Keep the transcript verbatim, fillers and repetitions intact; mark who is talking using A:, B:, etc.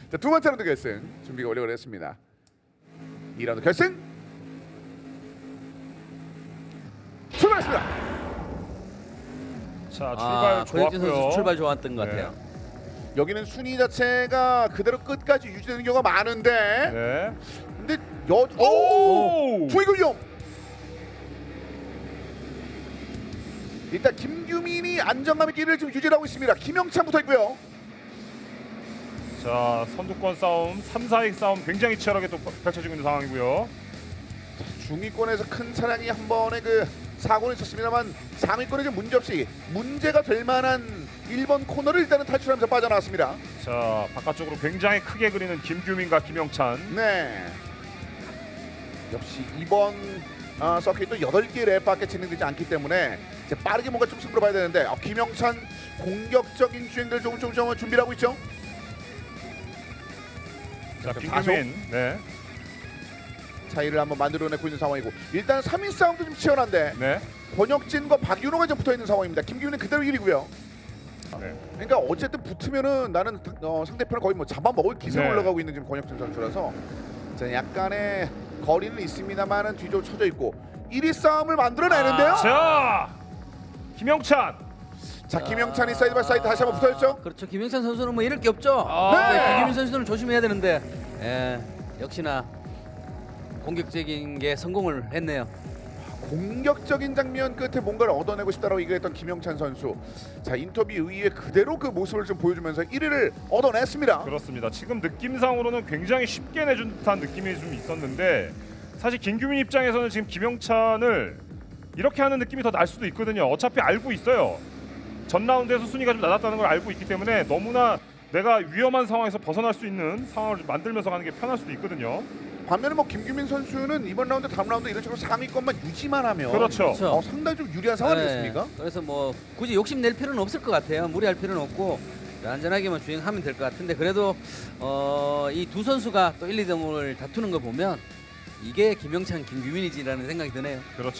A: 자, 두 번째 라운드 결승 준비가 완료됐습니다. 이 라운드 결승 출발했습니다.
B: 자, 출발
C: 아, 고혁진
B: 좋았고요.
C: 선수 출발 좋았던 것
B: 네.
C: 같아요.
A: 여기는 순위 자체가 그대로 끝까지 유지되는 경우가 많은데
B: 네.
A: 근데 여 오!
B: 오!
A: 주의군용 일단 김규민이 안정감 있게 를 지금 유지하고 있습니다. 김영찬 붙어 있고요.
B: 자, 선두권 싸움, 삼, 사위 싸움 굉장히 치열하게 또 펼쳐지고 있는 상황이고요.
A: 중위권에서 큰 차량이 한 번에 그 사고는 있었습니다만 상위권에 좀 문제 없이 문제가 될 만한 일 번 코너를 일단은 탈출하면서 빠져나왔습니다.
B: 자, 바깥쪽으로 굉장히 크게 그리는 김규민과 김영찬.
A: 네. 역시 이번 어, 서킷도 여덟 개 랩밖에 진행되지 않기 때문에 이제 빠르게 뭔가 좀 승부를 봐야 되는데 어, 김영찬 공격적인 주행들 조금 조금 조금 준비를 하고 있죠.
B: 자,
A: 자,
B: 김규민. 네.
A: 차이를 한번 만들어내고 있는 상황이고 일단 삼 위 싸움도 좀 치열한데
B: 네.
A: 권혁진과 박윤호가 좀 붙어 있는 상황입니다. 김규민은 그대로 일 위고요.
B: 네.
A: 그러니까 어쨌든 붙으면은 나는 어, 상대편을 거의 뭐 잡아먹을 기세로
B: 네.
A: 올라가고 있는 지금 권혁진 선수라서 자, 약간의 거리는 있습니다만은 뒤로 쳐져 있고 일 위 싸움을 만들어내는데요.
B: 자, 김영찬.
A: 자, 김영찬이 사이드 바이 사이드 다시 한번 붙어있죠.
C: 그렇죠. 김영찬 선수는 뭐 이럴 게 없죠.
B: 아.
C: 네, 김규민 선수는 조심해야 되는데 예, 역시나 공격적인 게 성공을 했네요.
A: 공격적인 장면 끝에 뭔가를 얻어내고 싶다라고 얘기했던 김영찬 선수. 자, 인터뷰 이후에 그대로 그 모습을 좀 보여주면서 일 위를 얻어냈습니다.
B: 그렇습니다. 지금 느낌상으로는 굉장히 쉽게 내준 듯한 느낌이 좀 있었는데 사실 김규민 입장에서는 지금 김영찬을 이렇게 하는 느낌이 더 날 수도 있거든요. 어차피 알고 있어요. 전 라운드에서 순위가 좀 낮았다는 걸 알고 있기 때문에 너무나 내가 위험한 상황에서 벗어날 수 있는 상황을 만들면서 가는 게 편할 수도 있거든요.
A: 반면에 뭐 김규민 선수는 이번 라운드 다음 라운드 이런 식으로 상위권만 유지만 하면
B: 그렇죠.
C: 그렇죠.
A: 어, 상당히 좀 유리한 상황이 됐습니까?
C: 네, 그래서 뭐 굳이 욕심 낼 필요는 없을 것 같아요. 무리할 필요는 없고 안전하게만 주행하면 될 것 같은데 그래도 어, 이 두 선수가 또 일, 이 등을 다투는 거 보면 이게 김영찬, 김규민이지라는 생각이 드네요.
B: 그렇죠.